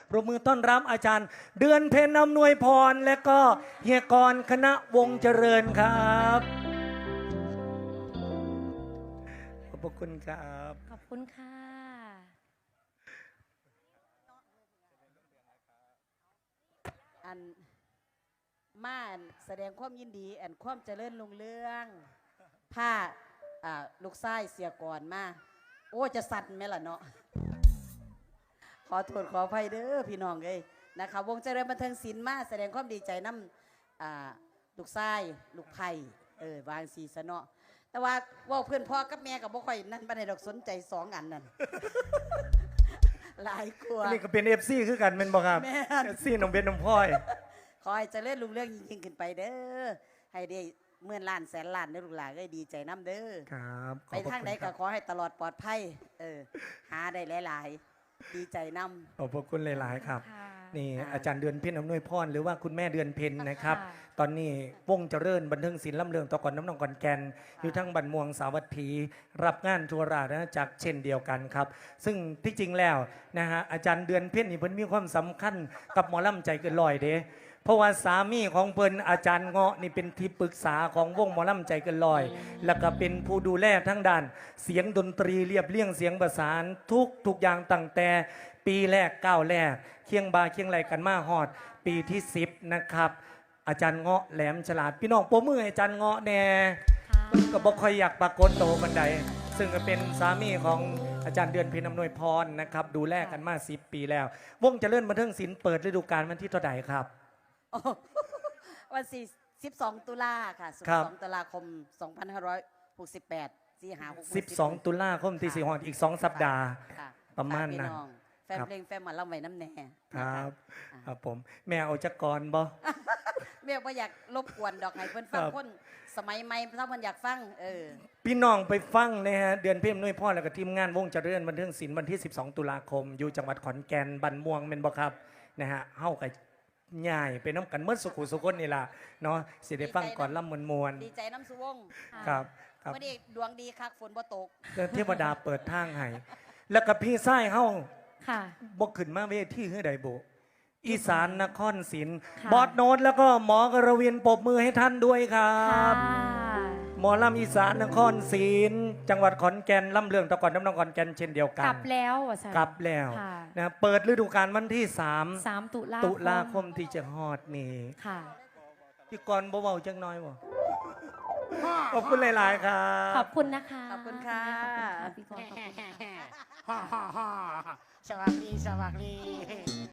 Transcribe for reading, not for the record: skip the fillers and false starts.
ปรบมือต้อนรับอาจารย์เดือนเพ็ญอำนวยพรและก็เฮียกรคณะวงเจริญครับขอบพระคุณครับขอบคุณค่ะอันมาอันแสดงความยินดีอันความเจริญรุ่งเรืองผ้าลูกไส้เสียก่อนมาโอ้จะสั่นไหมล่ะเนาะขอโทษขออภัยเด้อพี่น้องเลยนะคะวงเจริญบันเทิงศิลป์มาแสดงความดีใจน้ำลูกไส้ลูกไผ่วางสีสะเนาะแต่ว่าเพื่อนพ่อกับแม่กับบ่ค่อยนั่นบันไดดอกสนใจสองอันนั่น หลายกลัวอันนี้ก็เป็น FC คือกันเป็นบ่ครับแม่น FC น้องเบนน้องพลอยขอให้เจริญรุ่งเรืองยิ่งขึ้นไปเด้อให้ได้เมื่อนล้านแสนล้านเด้อลูกหลานได้ดีใจน้ำเด้อครับขไปอบพระทางคุณใดคก็รับขอให้ตลอดปลอดภัยหาได้หลายๆ ดีใจน้ขอบพระคุณหลายๆครับค่ะนี่อาจารย์เดือนเพ็ญอำนวยพรหรือว่าคุณแม่เดือนเพ็ญนะครับค่ะตอนนี้วงเจริญบันเทิงศิลป์ลำเลืองตะกอนน้ำนองก่อนแกนอยู่ทั้งบันม่วงสาวัตถีรับงานทัวราชอาณาจักรเช่นเดียวกันครับ ซึ่งที่จริงแล้วนะฮะอาจารย์เดือนเพ็ญนี่เพิ่นมีความสำคัญกับหมอลำใจเกินลอยเด้เพราะว่าสามีของเพิ่นอาจารย์เงาะนี่เป็นที่ปรึกษาของวงหมอลำใจเกินลอย แล้วก็เป็นผู้ดูแลทั้งด้าน เสียงดนตรีเรียบเรียงเสียงประสานทุกอย่างตั้งแต่ปีแรกก้าวแรกเคียงบาเคียงไหลกันมาฮอด ปีที่10นะครับอาจารย์เงาะแหลมฉลาดพี่น้องโปรมือให้อาจารย์เงาะแน่ค่ะก็บอกค่อยอยากปรากฏโตวบันไดซึ่งก็เป็นสามีของอาจารย์เดือนเพ็ญอำนวยพรนะครับดูแลกันมา10 ปีแล้ว วงเจริญบันเทิงศิลป์เปิดฤดูกาลวันที่เท่าไหร่ครับำโอ้วันที่12 ตุลาค่ะครับ 12 ตุลาคม 2568สี่หา 12 ตุลาคมที่4ฮอดอีก 2 สัปดาห์ค่ะประมาณนั้นฝกพี่องแฟนครับเพลงแฟนหมาล่ำไว้น้ำแน่คนะรัคะบครับผมแม่เอาจักกรบ่แม่ว่าอยากรบกวนดอกให้เพื่อนฟังครับคนสมัยใหม่ถ้ามันอยากฟังพี่น้องไปฟังนะฮะเดือนเพ็ญอำนวยพรแล้วก็ทีมงานวงเจริญบันเทิงศิลป์วันที่ 12 ตุลาคม อยู่จังหวัดขอนแก่นบันม่วงแม่นบ่ครับนะฮะเฮากับย่ายไปน้ำกันเมื่อสุขุสุคนนี่ล่ะเนาะสิได้ฟังก่อนล่ำมวลดีใจน้ำสุวงๆครับครับวันนี้ดวงดีคักฝนบ่ตกเทวดาเปิดทางให้แล้วก็พี่ไส้เฮาค่ะบ่ขึ้นมาเวทีเฮือใดบ่อีสานนครศรีค่ะบอสโนตแล้วก็หมอกระเวียนปรบมือให้ท่านด้วยครัค่ะบ หมอลำอีสานนครศรีจังหวัดขอนแก่นลำเลืองตะกอนน้ำนองขอนแก่นเช่นเดียวกันกลับแล้วอ่ะสันกลับแล้วค่ะนะเปิดฤดูกาลวันที่ 3 ตุลา 3 ตุลาคมที่จะฮอดนี่ค่ะพี่กรณ์บ่เว้าจังน้อยบ่ขอบคุณหลาย ๆ ครับขอบคุณนะคะขอบคุณค่ะขอบคุณค่ะพี่กรณ์ขอบคุณค่ะฮ่าฮ่าฮ่าสวัสดี